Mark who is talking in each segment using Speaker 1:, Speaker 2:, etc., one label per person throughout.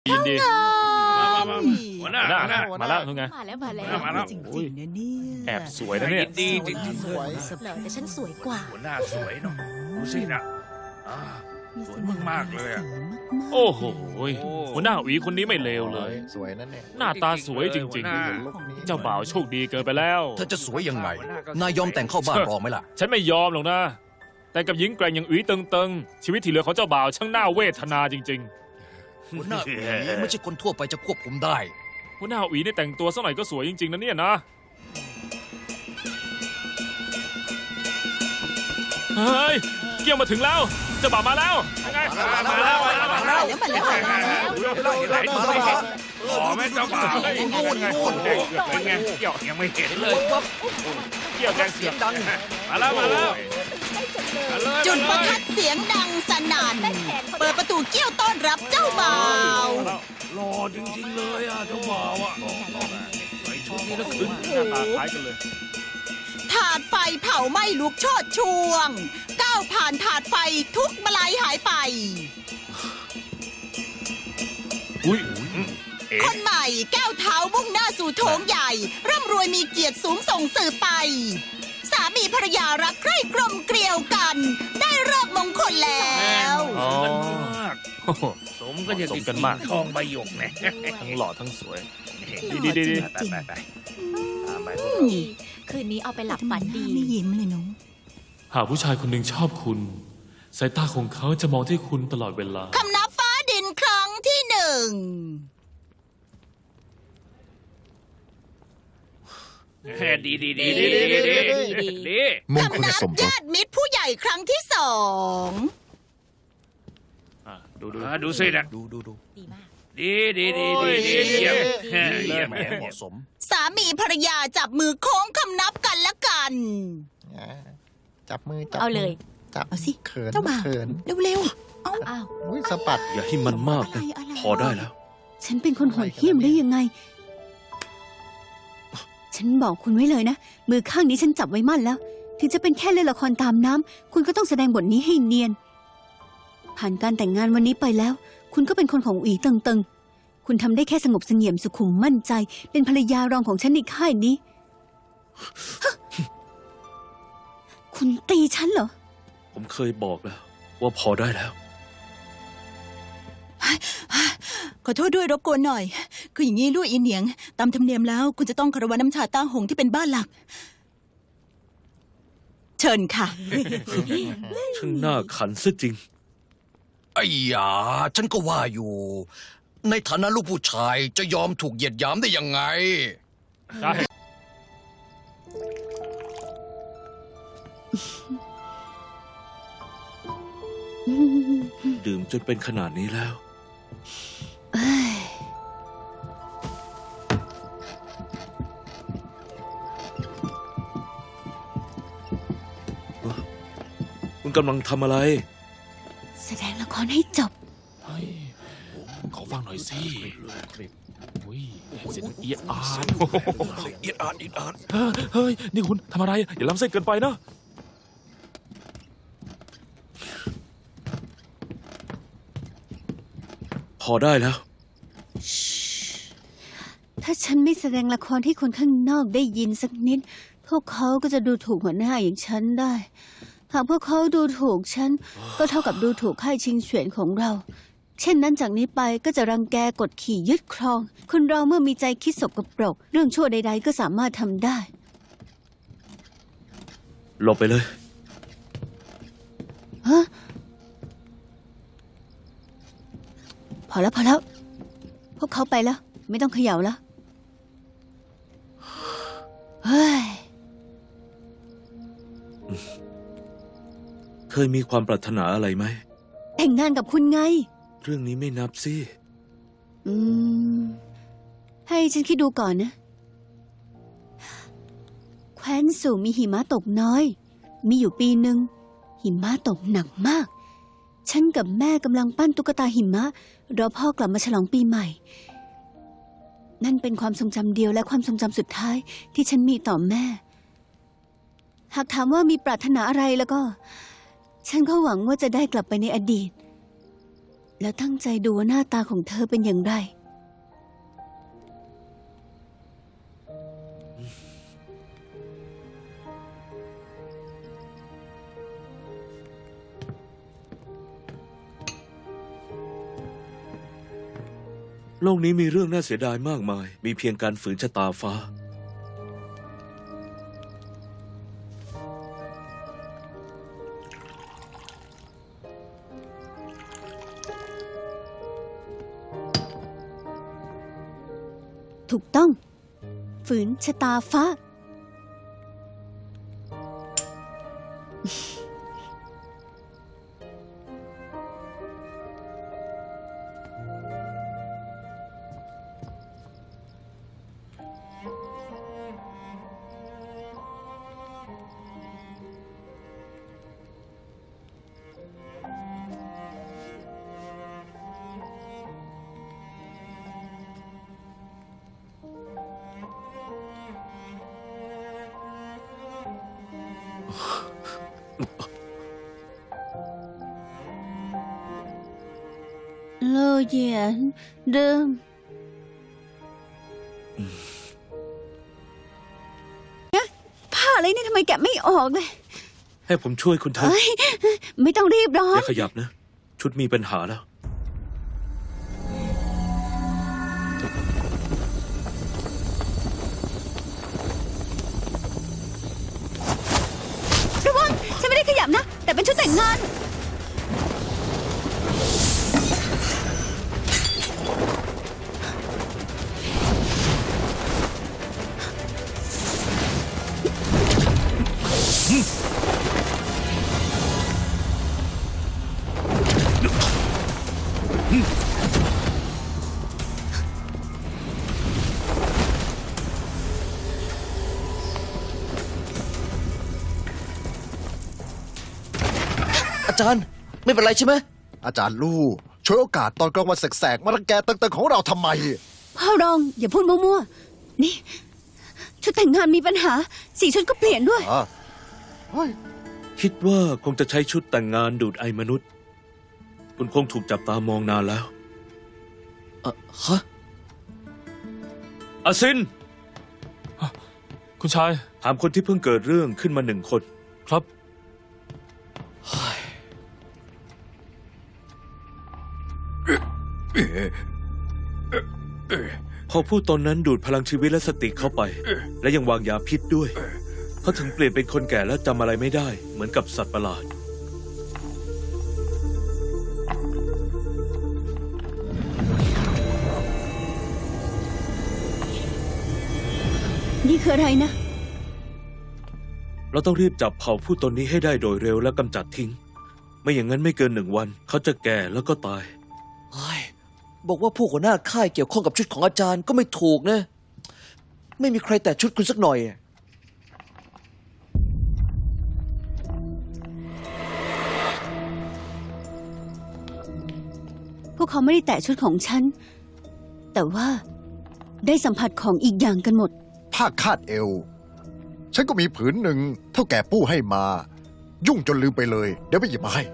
Speaker 1: ยินดี
Speaker 2: หัวหน้า
Speaker 1: มาแล้วทุกไง
Speaker 3: มาแล้วมาแล้ว
Speaker 2: มาแล้ว
Speaker 4: จริงๆนะเนี่ย
Speaker 1: แอบสวยนะเนี่ย
Speaker 2: ดีจริง
Speaker 4: สวย
Speaker 3: เหรอแต่ฉันสวยกว่า
Speaker 2: หัวหน้าสวยเนาะดูสินะอ่า สวยมากๆเลยอะ
Speaker 1: โอ้โหหัวหน้าหวีคนนี้ไม่เลวเลย
Speaker 5: สวยนั่นเนี่ย
Speaker 1: หน้าตาสวยจริง
Speaker 2: หัวหน้า
Speaker 1: ๆ เจ้าบ่าวโชคดีเกินไปแล้ว
Speaker 6: เธอจะสวยยังไง นายยอมแต่งเข้าบ้านรองไหมล่ะ
Speaker 1: ฉันไม่ยอมหรอกนะ แต่กับหญิงแกร่งอย่างหวีเติงๆ ชีวิตที่เหลือของเจ้าบ่าวช่างน่าเวทนาจริง
Speaker 6: หัวหน้าหวีไม่ใช่คนทั่วไปจะควบคุมได้
Speaker 1: ๆ หัวหน้าหวีนี่แต่งตัวสักหน่อยก็สวยจริงๆนะเนี่ยนะ เฮ้ย เกี่ยวมาถึงแล้ว เจ้าบ่าวมาแล้วยังไง
Speaker 2: มาแล้ว ขอแม่เจ้าบ่าว
Speaker 1: คนแดงเกือบเป็นไงเกี่ยว
Speaker 2: ยังไม่เห็นเลย
Speaker 1: เกี่ยวแดงเสียงดัง
Speaker 2: มาแล้วมาแล้ว
Speaker 4: จุดประทัดเสียงดังสนั่น เปิดประตูเกี้ยวต้อนรับเจ้าบ่าว
Speaker 2: หล่อจริงๆเลยอ่ะเจ้าบ่าวอ่ะใส่ชุดนี้แล้วขึ้น
Speaker 1: หน้าตาคล้ายกันเลย
Speaker 4: ถาดไฟเผาไหม้ลุกโชดช่วง ก้าวผ่านถาดไฟทุกมาลายหายไป
Speaker 1: อุ้ย
Speaker 4: คนใหม่ก้าวเท้ามุ่งหน้าสู่โถงใหญ่ ร่ำรวยมีเกียรติสูงส่งสืบไป สามีภรรยารักใคร่กลมเกลียวกัน ได้เลิกมงคลแล้ว
Speaker 1: อ๋อ
Speaker 2: กันมาก
Speaker 1: โอ้โห
Speaker 2: สมกันอย่าง
Speaker 1: สมกันมาก
Speaker 2: ทองใบหยกเนี่ย
Speaker 1: ทั้งหล่อทั้งสวย
Speaker 4: ดี
Speaker 1: ดี
Speaker 2: ไปไปไปตามไป
Speaker 3: คืนนี้เอาไปหลับฝันดี
Speaker 4: ไม่ยิ้มเลยน้อง
Speaker 1: หากผู้ชายคนหนึ่งชอบคุณ สายตาของเขาจะมองที่คุณตลอดเวลา
Speaker 4: คำนับฟ้าดินครั้งที่หนึ่ง
Speaker 2: ดีดีดีดีดีดี
Speaker 5: มงค
Speaker 4: คำ
Speaker 5: ล
Speaker 4: นับ
Speaker 5: สมรส
Speaker 4: ญาติมิตรผู้ใหญ่ครั้งที่สอง
Speaker 1: ดู
Speaker 2: ดูสินะ
Speaker 6: ดู
Speaker 3: ดีมาก
Speaker 2: ดีดีดีดีดีเยี่ยมเยี่ยม
Speaker 6: แหมเหมาะสม
Speaker 4: สามีภรรยาจับมือโค้งคำนับกันละกัน
Speaker 5: จับมือจับ
Speaker 3: เอาเลย
Speaker 5: จับ
Speaker 4: เอาสิ
Speaker 5: เขิน
Speaker 4: เจ้าบ่าว
Speaker 5: เขิน
Speaker 4: เร็ว
Speaker 3: อ้าว
Speaker 5: อุ้ยสะบัด
Speaker 6: อย่าให้มันมากนะ
Speaker 4: อะไร
Speaker 6: พอได้แล้ว
Speaker 7: ฉันเป็นคนโหดเหี้ยมได้ยังไง ฉันบอกคุณไว้เลยนะ มือข้างนี้ฉันจับไว้มั่นแล้ว ถึงจะเป็นแค่เล่นละครตามน้ำ คุณก็ต้องแสดงบทนี้ให้เนียน ผ่านการแต่งงานวันนี้ไปแล้ว คุณก็เป็นคนของอีเติงเติงคุณทำได้แค่สงบเสงี่ยมสุขุมมั่นใจ เป็นภรรยารองของฉันในค่ายนี้ คุณตีฉันเหรอ
Speaker 6: ผมเคยบอกแล้ว ว่าพอได้แล้ว
Speaker 4: ๆ ขอโทษด้วยรบกวนหน่อย คืออย่างนี้ลูกอีเหนียง ตามธรรมเนียมแล้ว คุณจะต้องคารวะน้ำชาต้าหงที่เป็นบ้านหลัก เชิญค่ะ
Speaker 6: ช่างน่าขันซะจริง ไอ้ยาฉันก็ว่าอยู่ ในฐานะลูกผู้ชายจะยอมถูกเหยียดหยามได้ยังไง
Speaker 1: ใช่
Speaker 6: ดื่มจนเป็นขนาดนี้แล้ว
Speaker 7: เอ้ย
Speaker 6: คุณกำลังทำอะไร
Speaker 7: แสดงละครให้จบ
Speaker 1: เฮ้ยขอฟังหน่อยสิอุ้ยเสียงเอียดอาร์
Speaker 6: เอียดอาร์อีดอาร์
Speaker 1: เฮ้ย นี่คุณทำอะไร อย่าล้ำเส้นเกินไปนะ
Speaker 6: พอได้แล้ว
Speaker 7: ถ้าฉันไม่แสดงละครให้คนข้างนอกได้ยินสักนิด พวกเขาก็จะดูถูกหัวหน้าอย่างฉันได้ หากพวกเขาดูถูกฉัน ก็เท่ากับดูถูกค่ายชิงเฉวียนของเรา เช่นนั้นจากนี้ไปก็จะรังแกกดขี่ยึดครอง คนเราเมื่อมีใจคิดสกปรก เรื่องชั่วใดๆก็สามารถทำได้
Speaker 6: หลบไปเลย
Speaker 7: ฮะ พอแล้วพอแล้ว พวกเขาไปแล้ว ไม่ต้องเขย่าแล้ว เฮ้ย
Speaker 6: เคยมีความปรารถนาอะไรไหม
Speaker 7: แต่งงานกับคุณไง
Speaker 6: เรื่องนี้ไม่นับสิ
Speaker 7: อืม ให้ฉันคิดดูก่อนนะ แคว้นสู่มีหิมะตกน้อย มีอยู่ปีหนึ่งหิมะตกหนักมาก ฉันกับแม่กำลังปั้นตุ๊กตาหิมะรอพ่อกลับมาฉลองปีใหม่ นั่นเป็นความทรงจำเดียวและความทรงจำสุดท้ายที่ฉันมีต่อแม่ หากถามว่ามีปรารถนาอะไรแล้วก็ ฉันก็หวังว่าจะได้กลับไปในอดีตแล้วตั้งใจดูว่าหน้าตาของเธอเป็นอย่างไร
Speaker 8: โลกนี้มีเรื่องน่าเสียดายมากมาย มีเพียงการฝืนชะตาฟ้า
Speaker 7: ถูกต้อง ฝืนชะตาฟ้า โลเหยียนเดิมผ้าอะไรนี่ทำไมแกะไม่ออกเลย
Speaker 8: ให้ผมช่วยคุณเถอะ
Speaker 7: เอ้ย ไม่ต้องรีบร้อ
Speaker 8: อน ย่าขยับนะ ชุดมีปัญหาแล้ว
Speaker 7: ระวัง ฉันไม่ได้ขยับนะ แต่เป็นชุดแต่งงาน
Speaker 6: อาจารย์ไม่เป็นไรใช่ไหม
Speaker 5: อาจารย์ลู่ช่วยโอกาสตอนกลางวันแสกๆมารังแกตึงๆของเราทำไม
Speaker 7: พ่อรองอย่าพูดมั่วๆ นี่ ชุดแต่งงานมีปัญหา สีชุดก็เปลี่ยนด้วย
Speaker 5: อ๋อเฮ้ย
Speaker 8: คิดว่าคงจะใช้ชุดแต่งงานดูดไอมนุษย์ คุณคงถูกจับตามองนานแล้ว
Speaker 6: ฮะ
Speaker 8: อาซิน
Speaker 1: คุณชาย
Speaker 8: ถามคนที่เพิ่งเกิดเรื่องขึ้นมาหนึ่งคน
Speaker 1: ครับ
Speaker 8: พอพูดตอนนั้นดูดพลังชีวิตและสติเข้าไป และยังวางยาพิษด้วย เขาถึงเปลี่ยนเป็นคนแก่และจำอะไรไม่ได้ เหมือนกับสัตว์ประหลาด
Speaker 7: นี่คืออะไรนะ
Speaker 8: เราต้องรีบจับเผ่าผู้ตนนี้ให้ได้โดยเร็วและกำจัดทิ้ง ไม่อย่างนั้นไม่เกิน1 วัน เขาจะแก่แล้วก็ตาย
Speaker 6: เฮ้ยบอกว่าผู้หัวหน้าค่ายเกี่ยวข้องกับชุดของอาจารย์ก็ไม่ถูกนะ ไม่มีใครแตะชุดคุณสักหน่อย
Speaker 7: พวกเขาไม่ได้แตะชุดของฉัน แต่ว่าได้สัมผัสของอีกอย่างกันหมด
Speaker 5: ผ้าคาดเอว ฉันก็มีผืนหนึ่งเท่าแก่ปู่ให้มา ยุ่งจนลืมไปเลย เดี๋ยวไปหยิบมาให้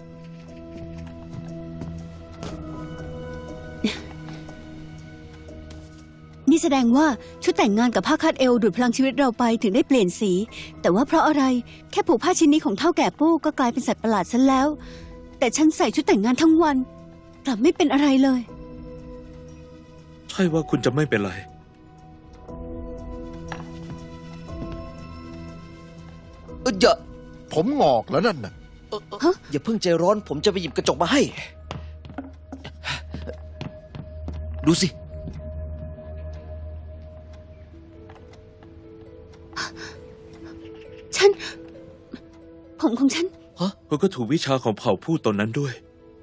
Speaker 7: นี่แสดงว่าชุดแต่งงานกับผ้าคาดเอวดูดพลังชีวิตเราไปถึงได้เปลี่ยนสี แต่ว่าเพราะอะไรแค่ผูกผ้าชิ้นนี้ของเท่าแก่ปู่ก็กลายเป็นสัตว์ประหลาดซะแล้ว แต่ฉันใส่ชุดแต่งงานทั้งวันกลับไม่เป็นอะไรเลย
Speaker 8: ใช่ว่าคุณจะไม่เป็นไร
Speaker 6: อย่า
Speaker 5: ผมงอกแล้วนั่นน่ะ
Speaker 6: อย่าเพิ่งใจร้อน ผมจะไปหยิบกระจกมาให้ ดูสิ
Speaker 7: ผมของฉัน
Speaker 8: คุณก็ถูกวิชาของเผ่าผู้ตนนั้นด้วย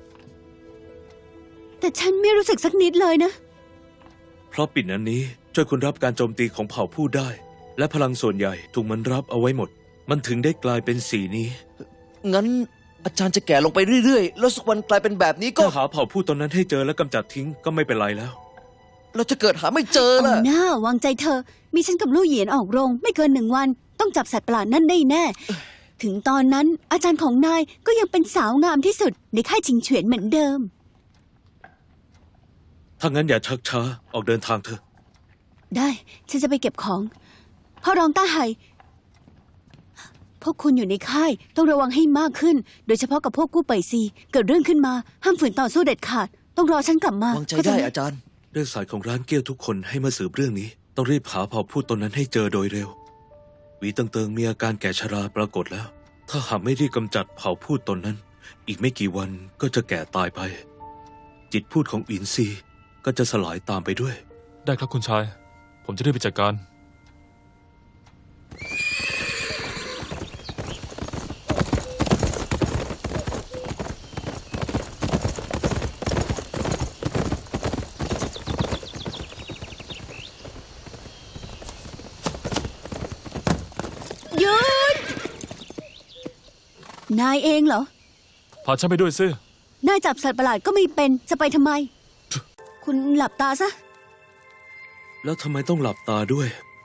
Speaker 7: แต่ฉันไม่รู้สึกสักนิดเลยนะ
Speaker 8: เพราะปิ่นอันนี้ช่วยคุณรับการโจมตีของเผ่าผู้ได้ และพลังส่วนใหญ่ถูกมันรับเอาไว้หมด มันถึงได้กลายเป็นสีนี้
Speaker 6: งั้นอาจารย์จะแก่ลงไปเรื่อยๆ แล้วสักวันกลายเป็นแบบนี้ก็
Speaker 8: ถ้าหาเผ่าผู้ตนนั้นให้เจอและกำจัดทิ้งก็ไม่เป็นไรแล้ว
Speaker 6: เราจะเกิดหาไม่เจอ
Speaker 7: เอา
Speaker 6: ล่ะ
Speaker 7: หน้าวางใจเธอ มีฉันกับลู่เหยียนออกโรง ไม่เกิน1 วัน ต้องจับสัตว์ประหลาดนั่นได้แน่ ถึงตอนนั้นอาจารย์ของนายก็ยังเป็นสาวงามที่สุดในค่ายชิงเฉวียนเหมือนเดิม
Speaker 8: ถ้างั้นอย่าชักช้าออกเดินทางเถอะ
Speaker 7: ได้ ฉันจะไปเก็บของพ่อรองต้าไห่พวกคุณอยู่ในค่ายต้องระวังให้มากขึ้น โดยเฉพาะกับพวกกู้เป่ยซีเกิดเรื่องขึ้นมาห้ามฝืนต่อสู้เด็ดขาด ต้องรอฉันกลับมาว
Speaker 9: างใจ
Speaker 7: เข้า
Speaker 9: ได้
Speaker 7: หม
Speaker 9: อาจารย์
Speaker 8: เรื่องสายของร้านเกี้ยวทุกคนให้มาสืบเรื่องนี้ ต้องรีบหาเผ่าพูดตนนั้นให้เจอโดยเร็วหวีเติงมีอาการแก่ชราปรากฏแล้ว ถ้าหากไม่รีบกำจัดเผ่าพูดตนนั้น อีกไม่กี่วันก็จะแก่ตายไป จิตพูดของอินซีก็จะสลายตามไปด้วย
Speaker 1: ได้ครับคุณชาย ผมจะได้ไปจัดการ
Speaker 7: หยุดนายเองเหรอ
Speaker 1: พาฉันไปด้วยซิ
Speaker 7: นายจับสัตว์ประหลาดก็ไม่เป็นจะไปทำไม คุณหลับตาซะ
Speaker 8: แล้วทำไมต้องหลับตาด้วย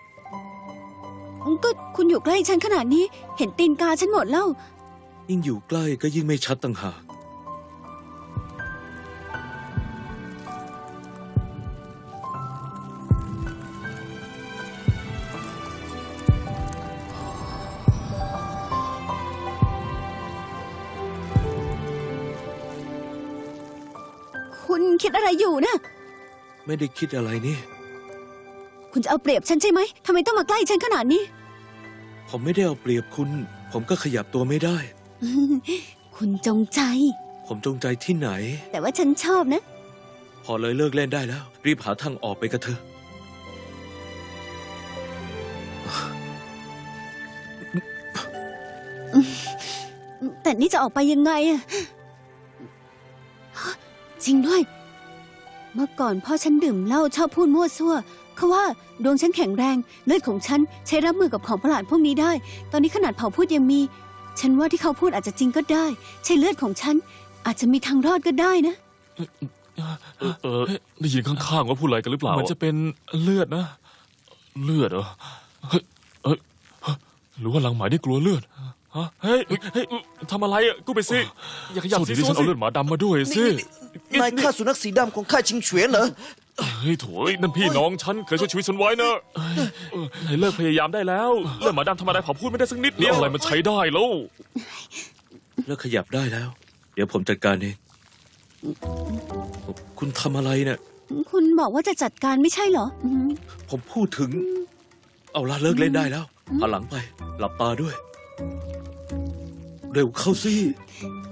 Speaker 7: ก็คุณอยู่ใกล้ฉันขนาดนี้ เห็นตีนกาฉันหมดแล้ว
Speaker 8: ยิ่งอยู่ใกล้ก็ยิ่งไม่ชัดต่างหาก
Speaker 7: คุณคิดอะไรอยู่นะ
Speaker 8: ไม่ได้คิดอะไรนี่
Speaker 7: คุณจะเอาเปรียบฉันใช่ไหมทำไมต้องมาใกล้ฉันขนาดนี้
Speaker 8: ผมไม่ได้เอาเปรียบคุณ ผมก็ขยับตัวไม่ได้
Speaker 7: คุณจงใจ
Speaker 8: ผมจงใจที่ไหน
Speaker 7: แต่ว่าฉันชอบนะ
Speaker 8: พอเลยเลิกเล่นได้แล้ว รีบหาทางออกไปกันเถอะ
Speaker 7: แต่นี่จะออกไปยังไงอะจริงด้วย เมื่อก่อนพ่อฉันดื่มเหล้าชอบพูดมั่วซั่วเขาว่าดวงฉันแข็งแรงเลือดของฉันใช้รับมือกับของประหลาดพวกนี้ได้ ตอนนี้ขนาดเผ่าพูดยังมี ฉันว่าที่เขาพูดอาจจะจริงก็ได้ ใช่เลือดของฉัน อาจจะมีทางรอดก็ได้นะ
Speaker 1: ได้ยินข้างๆว่าพูดอะไรกันหรือเปล่า มันจะเป็นเลือดนะ เลือดเหรอ เฮ้ยหรือว่าลังหมายได้กลัวเลือด ฮะ เฮ้ยทำอะไรอ่ะกูไปสิ อย่าขยับสิฉันเอาเลือดหมาดำมาด้วยสิ
Speaker 9: นายฆ่าสุนัขสีดำของข้าชิงเฉวียนเหรอ
Speaker 1: เฮ้ยโถยนั่นพี่น้องฉันเคยช่วยชีวิตฉันไว้นะให้เลิกพยายามได้แล้วเลือดหมาดำธรรมดาเผาพูดไม่ได้สักนิดเดียวอะไรมันใช้ได้แล้ว
Speaker 8: แล้วขยับได้แล้ว เดี๋ยวผมจัดการเอง คุณทำอะไรเนี่ย
Speaker 7: คุณบอกว่าจะจัดการไม่ใช่เหรอ
Speaker 8: ผมพูดถึง เอาละเลิกเล่นได้แล้วหันหลังไป หลับตาด้วย เร็วเข้าสิ